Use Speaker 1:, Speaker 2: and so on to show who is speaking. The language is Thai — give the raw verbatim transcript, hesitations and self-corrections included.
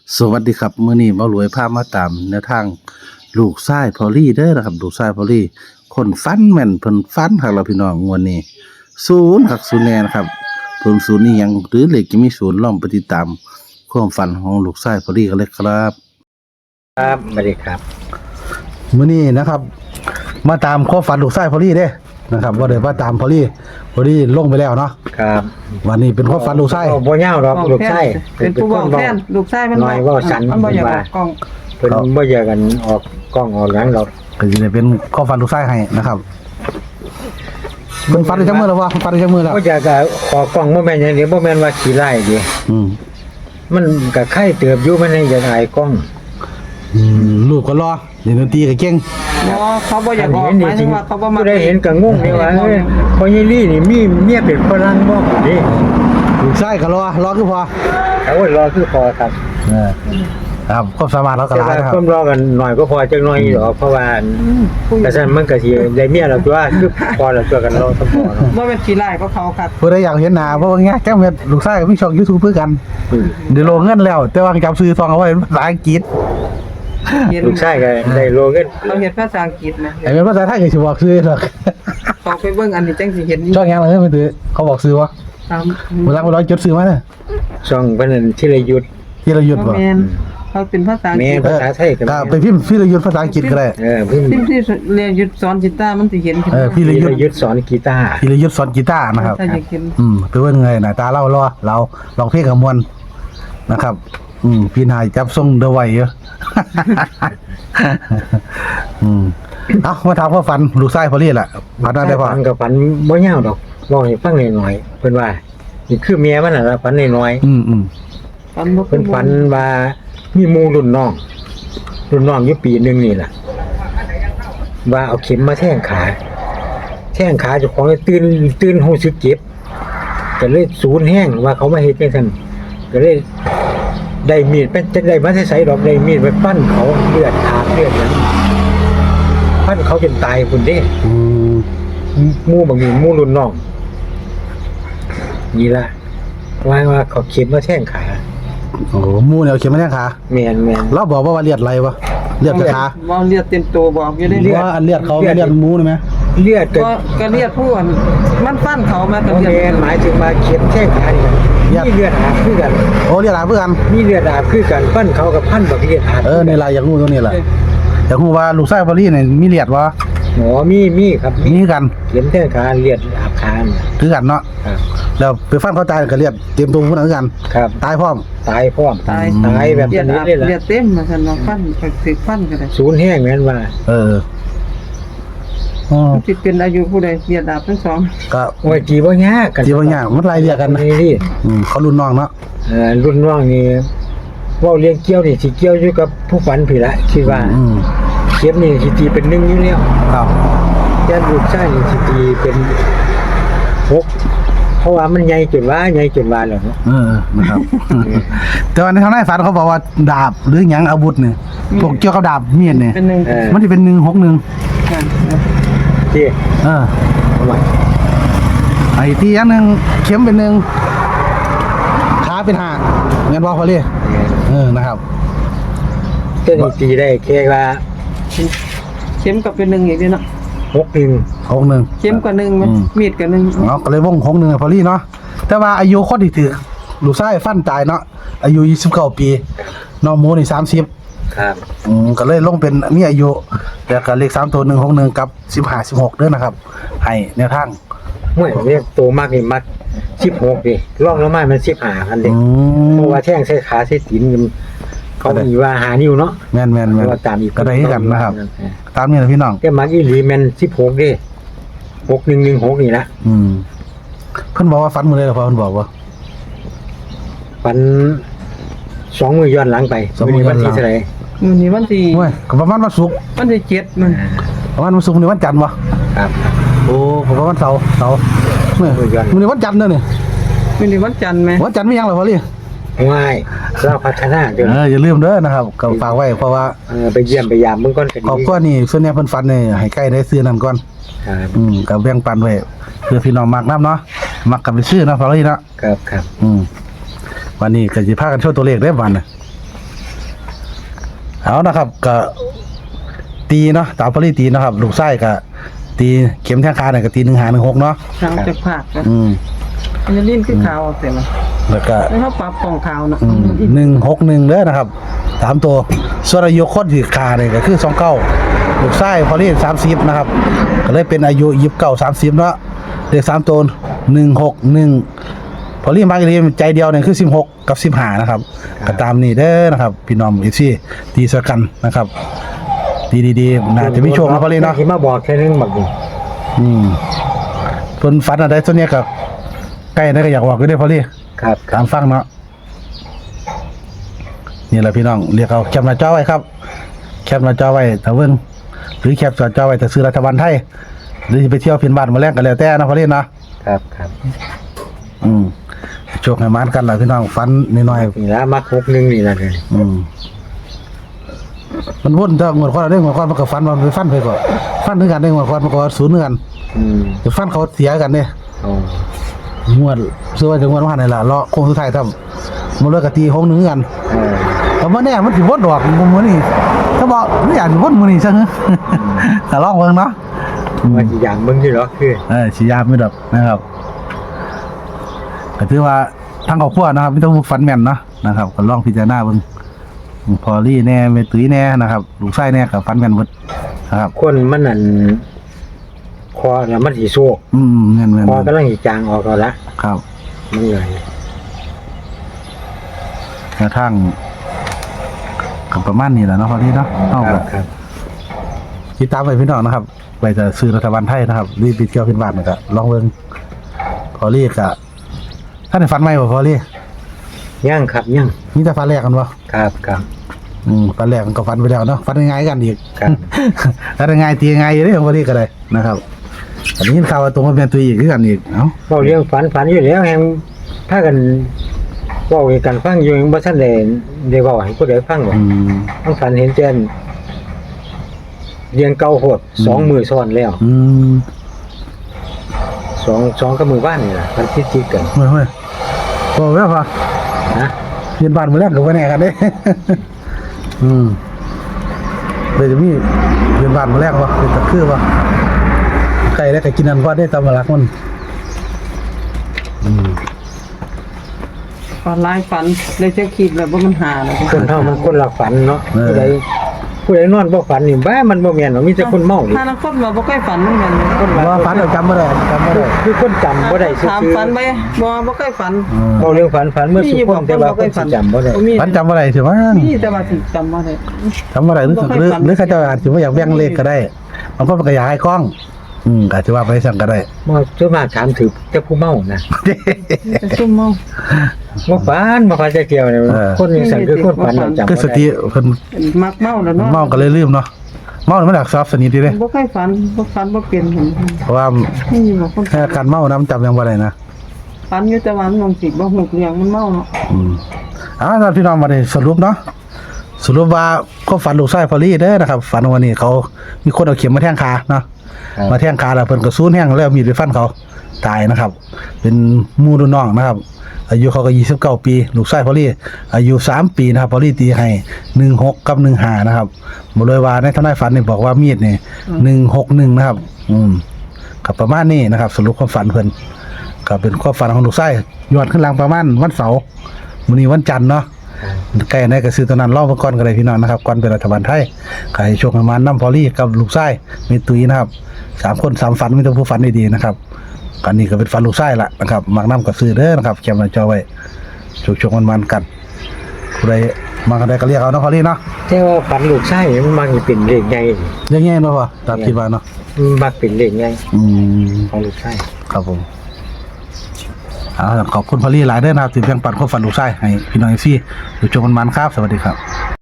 Speaker 1: สวัสดีครับมื้อนี้หมารวยพามาตามแนวทางลูกชายพอลลี่เด้อนะครับลูกชายพอลลี่คนฟันแม่นเพิ่นฟันคักแล้วพี่น้องงวดนี้ศูนย์คักศูนย์แน่นะครับเพิ่นศูนย์นี่หยังหรือเลขจะมีศูนย์ลองไปติดตามความฝันของลูกชายพอลลี่กันเลยครับ
Speaker 2: ครับสวัสดีครับ
Speaker 1: มื้อนี้นะครับ มาตามความฝันลูกชายพอลลี่เด้นะครับบ่ได้มาตามพอลลี่พอลลี่ลงไปแล้วเนาะ
Speaker 2: ครับ
Speaker 1: วันนี้เป็นความฝันลูกชาย
Speaker 2: บ่ยาวหรอกลูกชาย
Speaker 3: เป็นผู้บอกแทนลูกชายมัน
Speaker 2: น้อยเว้าสัน
Speaker 3: มันบ่อยากออกกล้อง
Speaker 2: เพิ่นบ่อยากกันออกกล้องออกหยังหรอก
Speaker 1: ก็สิได้เป็นความฝันลูกชายให้นะครับเพิ่นฝันได้จักมื้อแล้ววะเพิ่นฝันได้จักมื้อแล้ว
Speaker 2: บ่อยากก็ออกกล้องบ่แม่นหยังเดียวบ่แม่นว่าขี้ร้ายเดิ
Speaker 1: อืม
Speaker 2: มันก็ไข้เติบอยู่มันให้อยากอายกล้อง
Speaker 1: อืมลูกก็รอเล่นดนตรีก็เก่ง
Speaker 3: บ่เขาบ่อยากออกหมายถึงว่าเขาบ่มา
Speaker 2: ผู้ใดเห็นก็งงนี่ว่าเอ้ยพ่อใหญ่ลี่นี่มีเมียเป็นฝรั่งบ่นี่
Speaker 1: ลูกชายก็รอรอคือพอ
Speaker 2: โอ้ยรอคือพอครับ
Speaker 1: เออครับความสามารถเราก็
Speaker 2: แต่
Speaker 1: หลาย
Speaker 2: ว่า
Speaker 1: นะครับ
Speaker 2: ความรอกันหน่อยก็พอจักหน่อยดอกเพราะว่าแต่ซั่นมันก็สิได้เมียแล้วตัวคือพอแล้วตัวกันรอสมพอเนาะ
Speaker 3: บ่เป็นขี้ร้ายก็เขาครับ
Speaker 1: ผู้ใดอยากเห็นหน้าเพราะว่าแง่แก้มเม็ดลูกชายก็มีช่อง YouTube เพื่อกันเดี๋ยวลงเงินแล้ว แต่ว่าจำซื้อซองเอาไว้เป็นภาษาอังกฤษ
Speaker 3: เห็น
Speaker 2: ลูกชายก็ได้โลเงิน
Speaker 3: เขาเห็นภาษาอังกฤษนะ
Speaker 1: ไอ้เป็นภาษาไทยก็สิบอกซื้อหรอก
Speaker 3: เขาไปเบิ่งอันนี้จังสิเห็น
Speaker 1: ช่องยังเลยไม่ถือเขาบอกซื้อวะ
Speaker 3: ตาม
Speaker 1: เวลาเราจดซื้อมาเนี่ย
Speaker 2: ช่องเพิ่นนั่นธีรยุทธ
Speaker 1: ที่เราหยุดบ่
Speaker 3: แม่นเขาเป็นภาษาอัง
Speaker 2: แม่
Speaker 3: กฤษ
Speaker 2: ภาษาไทยก็
Speaker 1: ก็ไปพิมพ์พี่เราหยุดภาษาอังกฤษก็ได้
Speaker 2: เออเพิ่น
Speaker 3: ที่ที่เรียนหยุดสอนกีตาร์มันสิเห็นขึ้น
Speaker 1: เออพี่
Speaker 2: ธี
Speaker 1: เราหยุ
Speaker 2: ร
Speaker 1: ด
Speaker 2: ยุทธสอนกีตาร์
Speaker 1: พี่เราหยุดสอนกีตาร์นะครับ
Speaker 3: ถ้าอยากเห็น
Speaker 1: อืมไปเบิ่งไงหน้าตาเรารอเราลองเพลงกับมวลนะครับ อืมพี่นายจับทรงเดอะไว้เยอะ อืมเอามาถามพ่อฝันลูกชายพอลี่ล่ะฝันว่าได้พ่อ
Speaker 2: ฝันกับฝันบ่ยาวดอกเว้าให้ฟังหน่อยๆเพิ่นว่านี่คือเมียมันน่ะล่ะฝันน้อย
Speaker 1: อืมอืม
Speaker 3: ฝันบ่
Speaker 2: ๆเพิ่นฝันว่ามีหมู่รุ่นน้องรุ่นน้องอยู่ปีหนึงนี่ล่ะว่าเอาเข็มมาแทงขาแทงขาเจ้าของเลยตื่นตื่นรู้สึกเจ็บก็เลยสูญแห้งว่าเขามาเฮ็ดจังซั่นก็เลยได้มีดไปจังได้มาใส่ดอกได้มีดไปปั้นเขาเลือดอาบเลือดหยังปั้นเขาจนตายพุ่นเด้
Speaker 1: อืม
Speaker 2: หมู่บางนี่หมู่รุ่นน้องนี่ล่ะว่าว่าเขาเข็มมาแทงขา
Speaker 1: โอ้หมูเนี่ยเอาเข็มมาแทงขา
Speaker 2: แม่นแม่น
Speaker 1: เราบอกว่าว่าเลือดไหลวะเลือดไปขา
Speaker 3: บ่เลือดเต็มตัวบอกอยู่ได้
Speaker 2: เลื
Speaker 3: เลื
Speaker 2: อ
Speaker 3: อ
Speaker 2: ด
Speaker 3: ด
Speaker 1: ว่าอันเลือดเขาไม่เลือดหมูนี่ไหม
Speaker 2: เลือดก็
Speaker 3: ก็ก็เลือดผู้อันมันฟันเขามาก็
Speaker 2: บ่
Speaker 3: เลือด
Speaker 2: แม่นหมายถึงว่าเข็มแทงขานี่ครับมีเลือดอาบคือกัน
Speaker 1: โอ้เลือดอาบเพื่อกัน
Speaker 2: มีเลือดอาบคือกันปั้นเขากับพันบักเลือดอาบ
Speaker 1: เออในลายอยากรู้ตัวนี้แหละอยากรู้ว่าลูกชายพอลี่เนี่ยมีเลือดวะ
Speaker 2: หมอมีมีครับ
Speaker 1: มีกัน
Speaker 2: เข็มแทงขาเลือดอาบขาน่ะ
Speaker 1: คือกันเนาะ
Speaker 2: ครับ
Speaker 1: แล้วไปฟันเขาตายก็เลือดเต็มตัวผู้นั้นคือกัน
Speaker 2: ครับ
Speaker 1: ตายพร้อม
Speaker 2: ตายพร้อม
Speaker 3: ตาย
Speaker 2: ตายแบบ
Speaker 3: เลือด
Speaker 2: นี้
Speaker 3: อาบ
Speaker 2: เลยล่ะ
Speaker 3: เลือดเต็มมาซั่นว่าฟันก็สิฟันก็ได้
Speaker 2: ศูนย์แห้งแม่นว่า
Speaker 1: เอออ๋อ
Speaker 3: สิเป็นอายุผู้ใดเลือดอาบทั้งสอง
Speaker 1: ก็
Speaker 2: โอ้ยจีบ่ยากกัน
Speaker 1: จีบางอย่างมันไล่เรียกกันนะ
Speaker 2: นี่ดิ
Speaker 1: อืมเขารุ่นน้องเนาะ
Speaker 2: เอ่อรุ่นน้องนี่เว้าเลี้ยงเกี่ยวนี่สิเกี่ยวอยู่กับผู้ฝันพี่ละคิดว่า
Speaker 1: อืม
Speaker 2: เข็มนี่สิตีเป็นหนึ่งอยู่แล้ว
Speaker 1: ครับ
Speaker 2: แต่ลูกชายนี่สิตีเป็นหกเพราะว่ามันใหญ่จนว่าใหญ่จนว่าแล้วเนาะ
Speaker 1: เออนะครับ แต่ว่าในทางในฝันเขาบอกว่าดาบหรือหยังอาวุธเนี่ยพวกเกี่ยวกับดาบมีดเนี่ย
Speaker 3: เป็นหนึ่ง
Speaker 2: เออ
Speaker 1: มันจะเป็นหนึ่งหกหนึ่ง
Speaker 3: กัน
Speaker 2: ที่
Speaker 1: เออ
Speaker 2: เอาไว้
Speaker 1: ไอ้ที่อย่างหนึ่งเข็มเป็นหนึ่งขาเป็นห้าเงินบอกพอลี่เออนะครับ
Speaker 2: เจ้านี่ตีได้แค่ว่า
Speaker 3: เข็มกับเป็นหนึ่งอีกเด้เนาะ
Speaker 2: หกหนึ่ง
Speaker 1: หกหนึ่ง
Speaker 3: เข็มกับหนึ่งไหม
Speaker 1: อืม
Speaker 3: มีดกับหนึ่ง
Speaker 1: เนาะก็เลยวงหกหนึ่งพอลี่เนาะแต่ว่าอายุคนที่ถือลูกชายฟันตายเนาะอายุยี่สิบเก้าปีน้องหมูนี่สามสิบ
Speaker 2: ครับ
Speaker 1: อืมก็เลยลงเป็นมีอายุแล้วก็เลขสามตัวหนึ่งหกหนึ่งกับสิบห้าสิบหกเด้อนะครับ ให้แนวทาง
Speaker 2: ห่วยเรียกโตมากนี่มักสิบหกดิร่องแล้วมามันสิบห้าคันเด็
Speaker 1: อื
Speaker 2: ก
Speaker 1: ม
Speaker 2: เพราะว่าแท่งใส่ขาใส่ตีนมันเขามีว่าหานิ้วเนาะ
Speaker 1: แม่นแม่น
Speaker 2: เพ
Speaker 1: แม่น
Speaker 2: ราะว่าตามอีก
Speaker 1: ก็ได้คือกันนะครับ ตามนี้นะพี่น้อง
Speaker 2: แต่มักอีหลีแม่นสิบหกดิหกหนึ่งหนึ่งหกนี่ละ
Speaker 1: อืมเพิ่นบอกว่าฟันมือเลยเหรอพ่อเพิ่นบอกว่า
Speaker 2: ฝันสองมือย้อนหลังไป
Speaker 1: สองมือย้อนหลัง
Speaker 2: วัที่เท่าไหร่
Speaker 3: มื้อนี้วันที่
Speaker 1: โอ้ยก็ประมาณวันศุกร์
Speaker 3: วันที่เจ็ดมัน
Speaker 1: ประมาณวันศุกร์นี่วันจันทร์วะ
Speaker 2: ครับ
Speaker 1: โอ้ผมว่าวันเสาร์เสาร์เนี่ย
Speaker 2: มือย้อน
Speaker 1: มื้อนี้วันจันทร์เด้อเนี่ย
Speaker 3: มื้อนี้วันจันทร์ไหม
Speaker 1: วันจันทร์มีหยังเหรอพ่อลี่
Speaker 2: ง่ายเราพัฒนาเดี๋ยว
Speaker 1: เอออย่าลืมเด้อนะครับก็ฝากไว้เพราะว่า
Speaker 2: เออไปเยี่ยมไปยามเบิ่งก่อนก็ดี
Speaker 1: ครอบครัวนี่ส่วนใหญ่เพิ่นฟันนี่ให้ใกล้ได้ซื้อนั่นก่อน
Speaker 2: ครับ
Speaker 1: อืมก็แบ่งปันไว้เพื่อพี่น้องมักนํเนาะมักกันไปซื้อเนาะพ่อลี่เนาะ
Speaker 2: ครับครับ
Speaker 1: อืมวันนี้ก็สิพากันโชว์ตัวเลขได้อวันน่ะเอานะครับก็ตีเนาะตามพอลี่ตีเนาะครับลูกไส้ก็ตีเข็มแทงขาเนี่ยก็ตีหนึ่งหาหนึ่งหกเนาะ
Speaker 3: ทางจากภาคก็
Speaker 1: อืม
Speaker 3: อันนี้ลิ้นคือขาวเอาแต่ละ
Speaker 1: แล้วก็
Speaker 3: แล้วเขาปรับของขาวเนาะ
Speaker 1: อืมหนึ่งหกหนึ่งเด้อนะครับสามตัวส่วนอายุคนที่ขาเนี่ยก็คือสองเก้าลูกไส้พอลี่สามสิบนะครับก็เลยเป็นอายุยี่สิบเก้าสามสิบเนาะเลขสามตัวหนึ่งหกหนึ่งพอลี่มาร์กเรียใจเดียวเนี่ยคือสิบหกกับสิบห้านะครับก็ตามนี้เด้อนะครับพี่น้องเอฟซีตีสกันนะครับดีดีๆน่าจะมีโชคนะพอลี่เนาะ
Speaker 2: ที่มาบอกแค่นึงบักนี่
Speaker 1: อืมเพิ่นฝันอะไรส่วนเนี้ยก็ใกล้ได้ก็อยากบอกก็ได้พอลี่
Speaker 2: ครับค
Speaker 1: ตา
Speaker 2: รับ
Speaker 1: มฟังเนาะนี่แหละพี่น้องเรียกเอาแคปหน้าจอไว้ครับแคปหน้าจอไว้ถ้าเบิ่งหรือแคปหน้าจอไว้ถ้าซื้อรัฐบาลไทยหรือสิไปเที่ยวเพียนบ้านมาแลกก็แล้วแต่นะพอลี่เนาะ
Speaker 2: ครับครับ
Speaker 1: อืมโชคให้มานกันล่ะพี่น้องฝันน้อย
Speaker 2: นี่ละมักหกหนึ่งนี่ละเลย
Speaker 1: ๆอืมมันวนถ้าหมดความได้หมดความมันก็ฟันมันไปฟันไปก่อนฟันถึงกันได้หมดความมันก็ศูนย์เหมือนกัน
Speaker 2: อืม
Speaker 1: เดี๋ยวฟันเขาเสียกันเนี่ย
Speaker 2: อ๋อ
Speaker 1: งวดซื้อไว้ถึงงวดว่าไหนล่ะรอโค้งสุดท้ายทำมันเลยกะตีหงหนึ่งกัน
Speaker 2: เออ
Speaker 1: แต่ว่าเนี่ยมันสิวนดอกมุมนี้ถ้าบอกไม่อยากสิวนมือนี่ซะเหรอแต่ลองเบิ่งเนาะ
Speaker 2: ว่าอีกอย่างมึงที่เหรอคือ
Speaker 1: เออสิยามไม่ดอกนะครับก็ถือว่าทางครอบครัวนะครับไม่ต้องฝันแม่นเนาะนะครับก็ลองพิจารณาเบิ่งพอลี่แน่เมตุ้ยแน่นะครับลูกไส้แน่กับฝันแม่นหมดนะครับ
Speaker 2: คนมันนั่นคอแล้วมันสีโซก
Speaker 1: อืมแม่นแม่น
Speaker 2: คอกำลังสีจางออกแล้วละ
Speaker 1: ครับ
Speaker 2: มันเลย
Speaker 1: กระทั่งกับประมาณนี้แหละเนาะพอลี่เนาะเอา
Speaker 2: ค
Speaker 1: แบ
Speaker 2: รับบ ครับ
Speaker 1: ติดตามไปพี่น้องนะครับไปจะซื้อรัฐบาลไทยนะครับรีบไปเที่ยวขึ้นบ้านนะครับลองเบิ่งพอลี่กะท่านได้ฝันไหมบ่พอลี่
Speaker 2: ย่างครับย่าง
Speaker 1: นี่จะฝันแรกกันบ่
Speaker 2: ครับครับ
Speaker 1: อืมฝันแรกมันก็ฝันไปแล้วเนาะฝันง่ายๆกันอีก
Speaker 2: ครับ
Speaker 1: ฝันง่ายตีง่ายอยู่เด้ของพอลี่ก็ได้นะครับอันนี้ข่าวว่าตรงมาเป็นตัวอีกคือกันอีกเอ้า
Speaker 2: เราเรื่องฝันฝันอยู่แล้วแฮงถ้ากันเว่ากันฟังอยู่ยังบ่ทันได้ได้เว้าให้ผู้ใดฟังหรอก
Speaker 1: อืม
Speaker 2: ต้องฝันเห็นเจนเรียงเก่าโหดสองมือซ้อนแล้ว
Speaker 1: อืม
Speaker 2: สองสองกับมือบ้านนี่ล่ะมันคิดจิกกัน
Speaker 1: เฮ้ยเฮ้ยบอกแล้วพอ
Speaker 2: นะ
Speaker 1: เรียนบ้านมื้อแรกก็บ่แน่กันเด้ อืมเลยจะมีเรียนบ้านมื้อแรกบ่เป็นตะคือบ่ใครได้ก็กินอันพอได้ตามหลักมันอืม
Speaker 3: ฝันร้ายฝันเลยจะคิดแบบว่ามันหาเลย
Speaker 2: คนเฮามันคนละฝันเนาะผู้ใดผู้ใดนอนบ่ฝันนี่บ้ามันบ่แม่นหรอกมีแต่คนเมานี่
Speaker 3: ถ้านักคนมาบ่ค่อยฝันเหมือนกัน
Speaker 2: คนว่า
Speaker 1: ว่าฝันเราจำบ่ได้จำบ่ได้
Speaker 2: คือคนจำบ่ได้ซื่อ
Speaker 3: ถามฝันไปบ่บ่ค่อยฝัน
Speaker 1: อืม
Speaker 2: ๆเว้าเรื่องฝันฝันเมื่อสุคนแต่ว่าคนสิจำบ่ได้
Speaker 3: มี
Speaker 1: ฝันจำบ่ได้สิว่า
Speaker 3: มีแต่ว่าสิจำบ่ได้
Speaker 1: จำบ่ได้หรือหรือหรือเขาเจะอาจสิบ่อยากแบ่งเลขก็ได้บางคนมันก็อยากให้กล้อง อืมอาจจะว่าไปสั่งก็ได้
Speaker 2: บ่ส่วนมากถามถือแต่ผู้เมานะ
Speaker 3: จะซุ่มเมา
Speaker 2: บ่ฝันบ่ฝันจะเกี่ยวเนี่ยคนจังซั่นคือคนฝันเราจำ
Speaker 1: คือส
Speaker 2: บ่
Speaker 1: ติ
Speaker 2: ได้
Speaker 1: เพิ่น
Speaker 3: มักเมาแล้วเนาะ
Speaker 1: เมาก็เลยลืมเนาะเมานี่มันอยากซอฟสนิทดีเด้
Speaker 3: บ่ค่อยฝันบ่ฝันบ่เปลี่ยนเห็น
Speaker 1: เพราะว่า
Speaker 3: นี่บ่คน
Speaker 1: แค่การเมานะมันจำยังบ่ได้นะ
Speaker 3: ฝันอยู่แต่ว่ามันสิบ่ฮู้เรื่องมันเมาเนาะ
Speaker 1: อืมอ่าท่านพี่น้องมาได้สรุปเนาะสรุปว่าก็ฝันลูกชายพอลี่เด้อนะครับฝันวันนี้เขามีคนเอาเข็มมาแทงขาเนาะ
Speaker 2: ครับ
Speaker 1: มาแทงขาแล้วเพิ่นก็ซูนแห้งแล้วเอามีดไปฟันเขาตายนะครับ เป็นหมู่รุ่นน้องนะครับ อายุเขาก็ยี่สิบเก้าปีลูกชายพอลี่อายุสามปีนะครับพอลี่ตีให้หนึ่งหกกับหนึ่งห้านะครับบ่เลยว่าในทนายฝันนี่บอกว่ามีดนี่หนึ่งหกหนึ่งนะครับ อืมก็ประมาณนี้นะครับ สรุปความฝันเพิ่นก็เป็นความฝันของลูกชายยอดขึ้นหลังประมาณวันเสาร์มื้อนี้วันจันทร์เนาะ ใกล้ในก็ซื้อตัวนั้นรอบก่อนก็ได้พี่น้องนะครับก่อนเป็นรัฐบาลไทยขายโชคประมาณน้ำพอลี่กับลูกไส้มีตุยนะครับสามคนสามฝันมีแต่ผู้ฝันดีๆนะครับกันนี้ก็เป็นฝันลูกไส้ละนะครับมักน้ำกับซื้อเด้อนะครับแคมป์จอไว้โชคโชคมันๆกันผู้ใดมากันได้ก็เรียกเอาเนาะพอลี่เนาะ
Speaker 2: แต่ว่าฝันลูกชายมันมักสิเป็นเลขใหญ่
Speaker 1: เรียกง่ายเนาะพ่อตามคิดว่าเนาะ
Speaker 2: มันมักเป็นเลขใหญ่
Speaker 1: อืม
Speaker 2: ของลูกชาย
Speaker 1: ครับผมเอาล่ะขอบคุณพอลี่หลายเด้อนะครับที่แบ่งปันความฝันลูกไส้ให้พี่น้องเอฟซีโชคมันๆครับสวัสดีครับ